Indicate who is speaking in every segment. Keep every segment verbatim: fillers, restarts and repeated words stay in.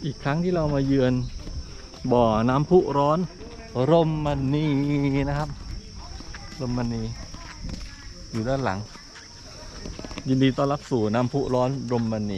Speaker 1: อีกครั้งที่เรามาเยือนบ่อน้ำพุร้อนรมณีนะครับรมณีอยู่ด้านหลังยินดีต้อนรับสู่น้ำพุร้อนรมณี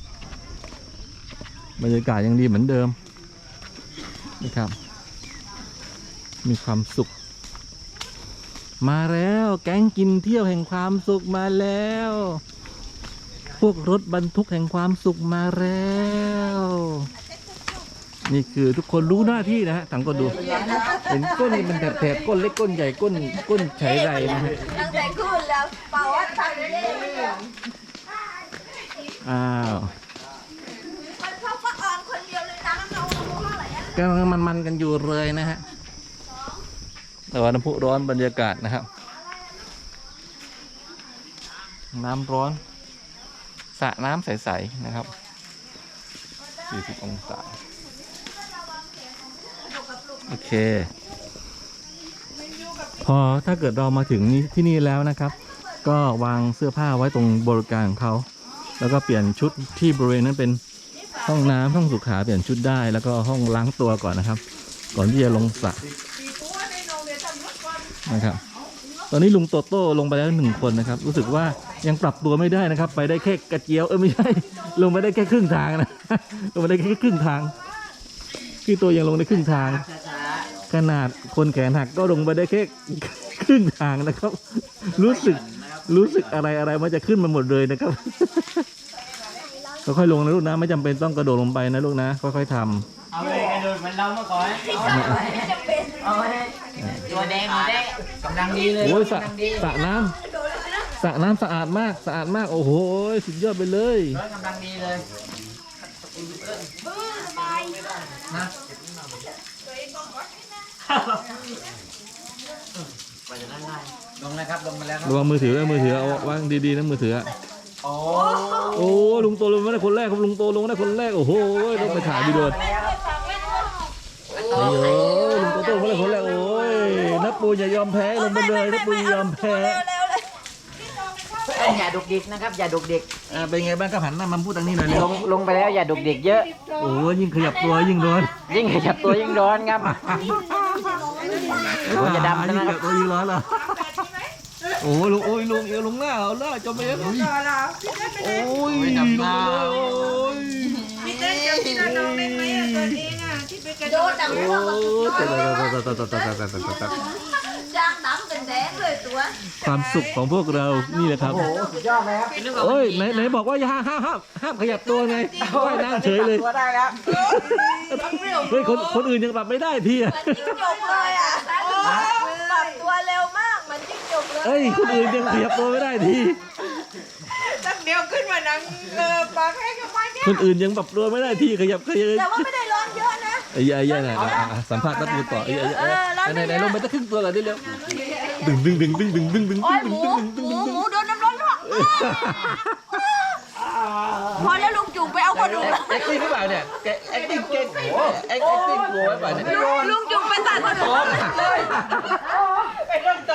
Speaker 1: บรรยากาศยังดีเหมือนเดิมนะครับมีความสุขมาแล้วแก๊งกินเที่ยวแห่งความสุขมาแล้วพวกรถบรรทุกแห่งความสุขมาแล้วนี่คือทุกคนรู้หน้าที่นะฮะสังกตดูเห็นก้นนี่มันแถบๆก้นเล็กก้นใหญ่ก้นก้นไฉไรนะฮะ
Speaker 2: ตั้งแต่ขึ้นแล้วเป่าว่าทำได้
Speaker 1: อ้าว
Speaker 2: มันชอบป้าออนคนเดียวเลยนะน้องๆเท่าไหร่
Speaker 1: กำลังมันๆกันอยู่เลยนะฮะแต่ว่าน้ำพุร้อนบรรยากาศนะครับน้ำร้อนสระน้ำใสๆนะครับสี่สิบองศาโอเคพอถ้าเกิดเรามาถึงที่นี่แล้วนะครับก็วางเสื้อผ้าไว้ตรงบริการของเขาแล้วก็เปลี่ยนชุดที่บริเวณนั้นเป็นห้องน้ำห้องสุขาเปลี่ยนชุดได้แล้วก็ห้องล้างตัวก่อนนะครับก่อนที่จะลงสระนะครับตอนนี้ลุงโตโต้ลงไปแล้วหนึ่งคนนะครับรู้สึกว่ายังปรับตัวไม่ได้นะครับไปได้แค่กระเจียวเออไม่ใช่ลงไปได้แค่ครึ่งทางนะลงไปได้แค่ครึ่งทางคือตัวยังลงได้ครึ่งทางขนาดคนแขนหักก็ลงไปได้แค่ครึ่งทางนะครับรู้สึกรู้สึกอะไรอะไรมันจะขึ้นมาหมดเลยนะครับค่อยๆลงนะลูกนะไม่จำเป็นต้องกระโดดลงไปนะลูกนะค่อยๆทำ
Speaker 3: เอาเลยกระโดดเหมือนเราเมื่อก่อนเอาเลยตัวแดงตัวแดงกำลังดีเลย
Speaker 1: โอ้ยสระสระน้ำสระน้ำสะอาดมากสะอาดมากโอ้โหสุดยอดไปเลย
Speaker 3: กำลังดีเลยนะลงนะครับลงมาแล้ว
Speaker 1: ระวังมือถือมือถือเอาวางดีๆนะมือถือ
Speaker 3: โอ้
Speaker 1: โอ้ลุงโตลงมาได้คนแรกครับลุงโตลงได้คนแรกโอ้โหต้องไปถ่ายวิดีโอโอ้ยลุงโตโตลงมาได้คนแรกโอ้ยนักปูอย่ายอมแพ้ลงไปเลยนักปูอย่ายอมแพ้
Speaker 3: อย่าดุกดิกนะครับอย่าดุกดิก
Speaker 1: อ่าเป็นไงบ้างครับหันหน้ามาพูดทางนี้หน่อย
Speaker 3: ลงลงไปแล้วอย่าดุกดิกเยอะ
Speaker 1: โอ้ยิ่งขยับตัวยิ่งร้อน
Speaker 3: ยิ่งขยับตัวยิ่งร้อนครับอย่าดำนะครับ
Speaker 1: ตัวยิ่งร้อนเหรอโอ้ลุงโอ้ยลุงเอวลุงหน้าเอาหน้าจมไปแล้วโอ้ยดำหน้า
Speaker 2: พี่เต้นกับพี่น้องเล่นไหมอ่ะตัวนี้อ่ะที่ไปกระโดดจับโอ้จ้างดำเป็นแดงเลยตัว
Speaker 1: ความสุขของพวกเรานี่แหละครับ
Speaker 3: โอ้สุดยอดเลยครับ
Speaker 1: โอ้ยไหนไหนบอกว่าอย่าห้ามห้ามห้ามขยับตัวไงว่ายน้ำเฉยเลย
Speaker 3: ตัวได้แล้ว
Speaker 1: เฮ้ยคนคนอื่นยังปรับไม่ได้ทีอ่ะ
Speaker 2: มันจิ้งจกเลยอ่ะปรับตัวเร็วมากมันจิ้งจกเลย
Speaker 1: เฮ้ยคนอื่นยังขยับตัวไม่ได้ที
Speaker 2: ตั้งเดียวขึ้นมานั่งเออปากแห้งกับไม้เนี่ย
Speaker 1: คนอื่นยังปรับตัวไม่ได้ทีขยับขยับ
Speaker 2: แต่ว่าไม่ได้ร้อนเยอะนะ
Speaker 1: ไอ้ยัยยัยไหนสัมภาษณ์ตัดมือต่อไอ้ยัยไหนไหนลงไปตั้งครึ่งตัวเลยได้เร็วดึงดึงดึงดึงดึงดึงดึงดึงดึงดึงดึงดึง
Speaker 2: หมูหมูโดนน้ำร้อนหรอพอแล้วลุงจุ๋มไปเอาคนอื่น
Speaker 1: แอคติ้งหรือเปล่าเนี่ยแอคติ้งเก่งโอ้แอคติ้งโว้ยป่ะเนี่ย
Speaker 2: ลุงจุ๋มไปตัดคนอื่นเลยไปเริ่มโต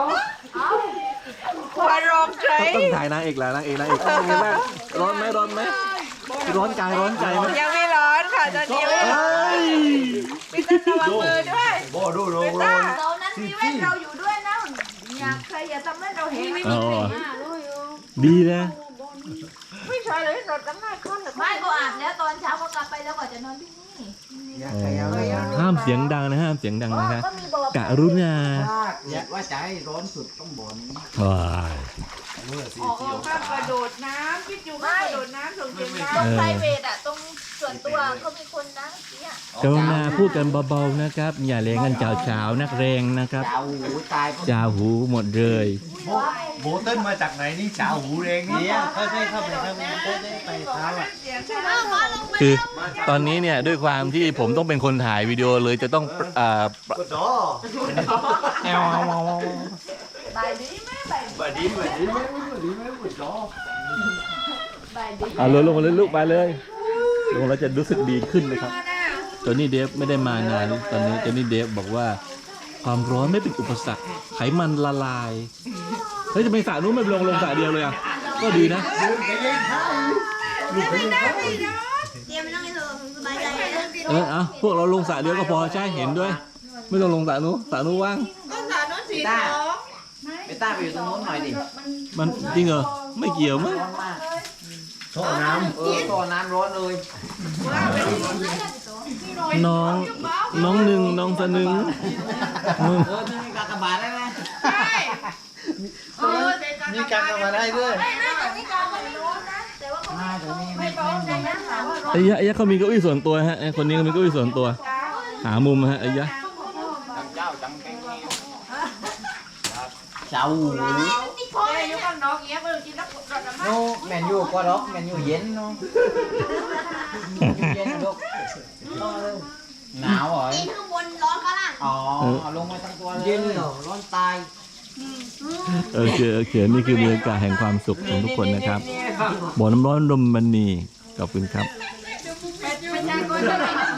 Speaker 2: พอร้องใจ
Speaker 1: ต้องถ่ายนางเอกแหละนางเอกนางเอกเป็นไงบ้างร้อนไหมร้อนไหมร้อนกายร้อนใจไหม
Speaker 2: ยังไม่ร้อนค่ะตอนนี้ไม่ร้อนพี่ต้นระวังมือด้วย
Speaker 1: โบดูดู
Speaker 2: ดูเรานั้นมีแว่นเราอยู่ด้วยนะอยากใครอย่าทำให้เราเห็นไม่มี
Speaker 1: ดีนะ
Speaker 2: ไม่ใช่เลยรถตั้งหน้าค่อนหรือไม่ก็อาบแล้วตอนเช้าก็กลับไปแล้วก็จะนอนที่นี่
Speaker 1: ห้ามเสียงดังนะห้ามเสียงดังนะฮะกะรุณา
Speaker 3: ว่าใจร้อนสุดต้องบ่น
Speaker 1: ว้าย
Speaker 2: ออกมากระโดดน้ำพี่จูไม่กระโดดน้ำส่งเสียงน้ำตรงไพรเวทอะตรงส่วนตัวเขามีคนนะเนี่ย
Speaker 1: กรุณาพูดกันเบาๆนะครับอย่าเล่นกันเจ้าเช้านักเรงนะครับ
Speaker 3: จ่าหูตาย
Speaker 1: จ่าหูหมดเลย
Speaker 4: โบเติ้ลมาจากไหนนี่จ่าหูเรงนี่เขาได้เข้าไปเข้าไปได้ไปเท้าอ่ะ
Speaker 1: คือตอนนี้เนี่ยด้วยความที่ผมต้องเป็นคนถ่ายวิดีโอเลยจะต้องอ่าแอล
Speaker 2: บายดีไหม
Speaker 4: บายดีบายดีไหมบายดีไหมบุดล้อ
Speaker 1: อ่าลงลงมาเลยลูกไปเลยลงแล้วจะรู้สึกดีขึ้นนะครับตอนนี้เดฟไม่ได้มานานตอนนี้ตอนนี้เดฟบอกว่าความร้อนไม่เป็นอุปสรรคไขมันละลายเฮ้ยจะไปสระนู้นไม่ลงลงสระเดียวเลยอ่ะก็ดีนะ
Speaker 2: ไม่ได้ไม่ได้เตรียมไม่ต้องให้เธอสบายใจ
Speaker 1: พวกเราลงสระเดียวก็พอใช่เห็นด้วย ไม่ต้องลงสระนู้นสระนู้นว่าง
Speaker 2: ก็สาโน้นสีสอง
Speaker 3: ไปต้าไปอยู่ตรงโน้นหน่อยดิ
Speaker 1: มันจริงเหรอไม่เกี่ยวมั้ง
Speaker 3: ร้อนมาก
Speaker 4: โชว์น้
Speaker 3: เออตัวน้ำร้อนเลย
Speaker 2: ว่าไปพี่หน่อย
Speaker 1: น้องน้องหนึ่งน้องสนึงมึง
Speaker 3: เออที่มีกากบาทได้ไหม
Speaker 2: ใช่เออแต่
Speaker 4: ำนี่การกันมาได้ด้วย
Speaker 2: ไม่ไม่ตรงนี้กลางก็ไม่ร้อนนะแต่ว่าเขาไม่ไม่ร้อนนะถามว่าร้อน
Speaker 1: ไอ้ยะไอ้ยะเขามีเก้าอี้ส่วนตัวฮะไอ้คนนี้ก็มีเก้าอี้ส่วนตัว หามุมฮะไอ้ยะ
Speaker 3: เจ้าหู
Speaker 2: พ่ออายุกันน้องเงี้ยเมื่อกี้นักรถน้ำมัน
Speaker 3: โน้แมนยูกว่าดอกแมนยูเย็นเนาะเย็นลูกหนาวเหรอ
Speaker 2: ข้างบนร้อนข้างล่าง
Speaker 3: อ๋อเอาลงมาทั้งตัวเลยเย็นเหรอร้อนตาย
Speaker 1: โอเคโอเคนี่คือบรรยากาศแห่งความสุขของทุกคนนะครับบ่อน้ำร้อนลมมันนีขอบคุณครับ
Speaker 2: ไม่ใช่คนจะ